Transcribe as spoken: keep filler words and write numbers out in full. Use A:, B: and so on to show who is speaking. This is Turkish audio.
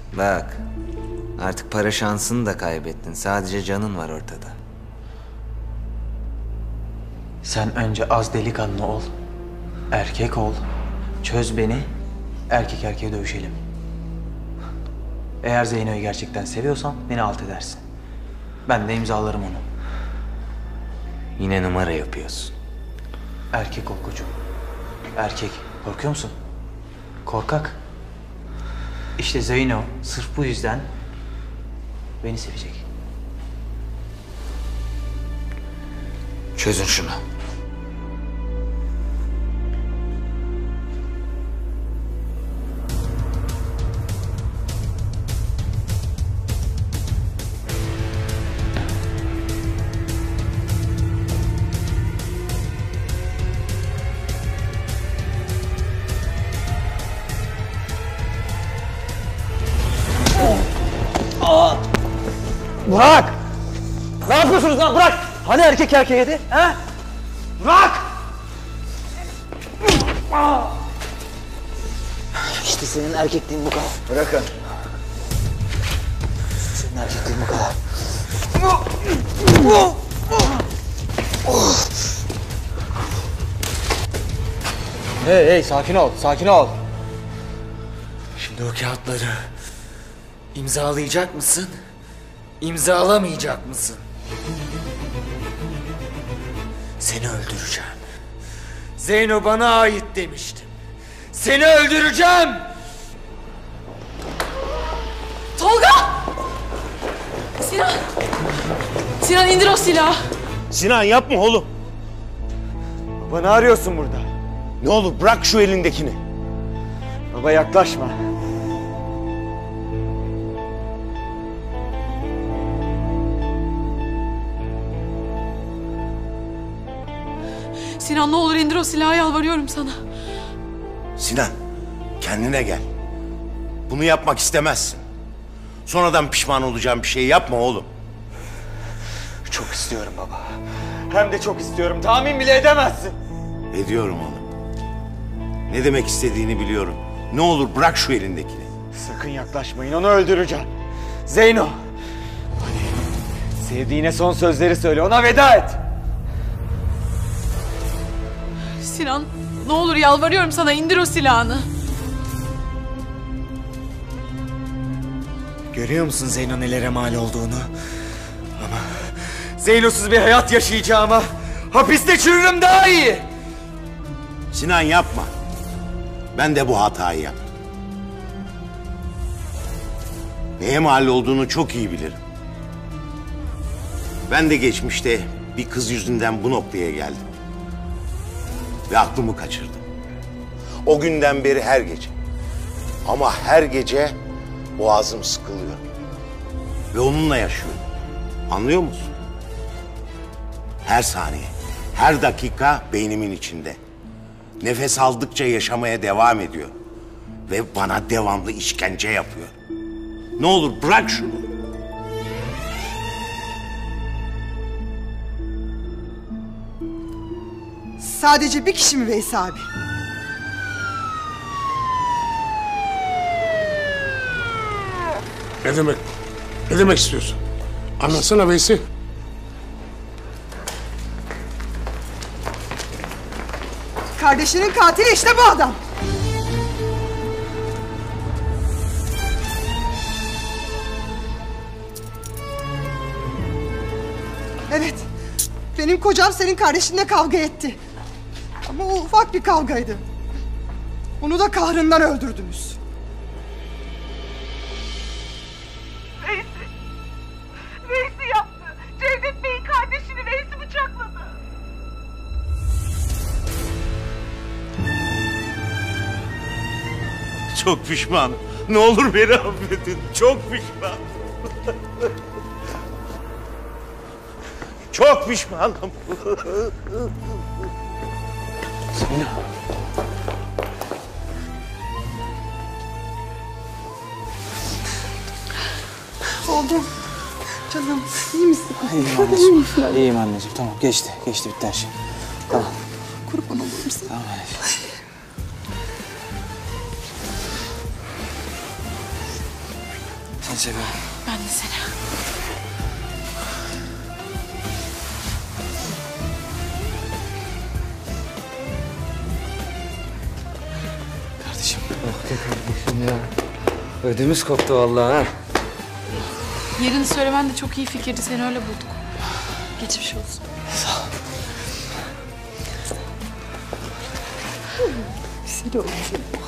A: Bak, artık para şansını da kaybettin. Sadece canın var ortada.
B: Sen önce az delikanlı ol. Erkek ol. Çöz beni. Erkek erkeğe dövüşelim. Eğer Zeyno'yu gerçekten seviyorsan beni alt edersin. Ben de imzalarım onu.
A: Yine numara yapıyorsun.
B: Erkek ol koçum. Erkek. Korkuyor musun? Korkak. İşte Zeyno sırf bu yüzden beni sevecek.
A: Çözün şunu.
B: Burak! Ne yapıyorsunuz lan? Bırak! Hani erkek erkeğiydi? He? Bırak! İşte senin erkekliğin bu kadar.
A: Bırakın.
B: Senin erkekliğin bu kadar. Hey hey sakin ol, sakin ol.
A: Şimdi o kağıtları imzalayacak mısın? İmzalamayacak mısın? Seni öldüreceğim. Zeyno bana ait demiştim. Seni öldüreceğim.
C: Tolga! Sinan! Sinan indir o silahı.
D: Sinan yapma oğlum.
E: Baba ne arıyorsun burada?
D: Ne olur bırak şu elindekini.
E: Baba yaklaşma.
C: Sinan ne olur indir o silahı, yalvarıyorum sana.
D: Sinan kendine gel. Bunu yapmak istemezsin. Sonradan pişman olacağın bir şey yapma oğlum.
E: Çok istiyorum baba. Hem de çok istiyorum. Tahmin bile edemezsin.
D: Ediyorum oğlum. Ne demek istediğini biliyorum. Ne olur bırak şu elindekini.
E: Sakın yaklaşmayın, onu öldüreceğim. Zeyno. Hadi. Sevdiğine son sözleri söyle, ona veda et.
C: Sinan ne olur yalvarıyorum sana, indir o silahını.
A: Görüyor musun Zeyno nelere mal olduğunu? Ama Zeyno'suz bir hayat yaşayacağıma hapiste çürürüm daha iyi.
D: Sinan yapma. Ben de bu hatayı yaptım. Neye mal olduğunu çok iyi bilirim. Ben de geçmişte bir kız yüzünden bu noktaya geldim. Ve aklımı kaçırdım. O günden beri her gece. Ama her gece boğazım sıkılıyor. Ve onunla yaşıyorum. Anlıyor musun? Her saniye, her dakika beynimin içinde. Nefes aldıkça yaşamaya devam ediyor. Ve bana devamlı işkence yapıyor. Ne olur bırak şunu.
F: Sadece bir kişi mi Veysi abi?
G: Ne demek? Ne demek istiyorsun? Anlatsana Veysi.
F: Kardeşinin katili işte bu adam. Evet, benim kocam senin kardeşinle kavga etti. Ama o ufak bir kavgaydı. Onu da kahrından öldürdünüz.
H: Veysi. Veysi yaptı. Cevdet Bey'in kardeşini Veysi bıçakladı.
D: Çok pişmanım. Ne olur beni affedin. Çok pişmanım. Çok pişmanım.
B: Zeyno.
F: Oğlum, canım iyi misin?
B: İyiyim anneciğim. İyiyim anneciğim. Tamam geçti. Geçti bitti her şey. Tamam.
F: Kurban olurum sana.
B: Tamam anneciğim.
A: Seni seviyorum.
C: Ben de seni.
A: Kardeşim. Ah be kardeşim ya. Ödümüz koptu vallahi ha.
C: Yerini söylemen de çok iyi fikirdi. Seni öyle bulduk. Geçmiş olsun.
A: Sağ ol.
F: Güzel oldu.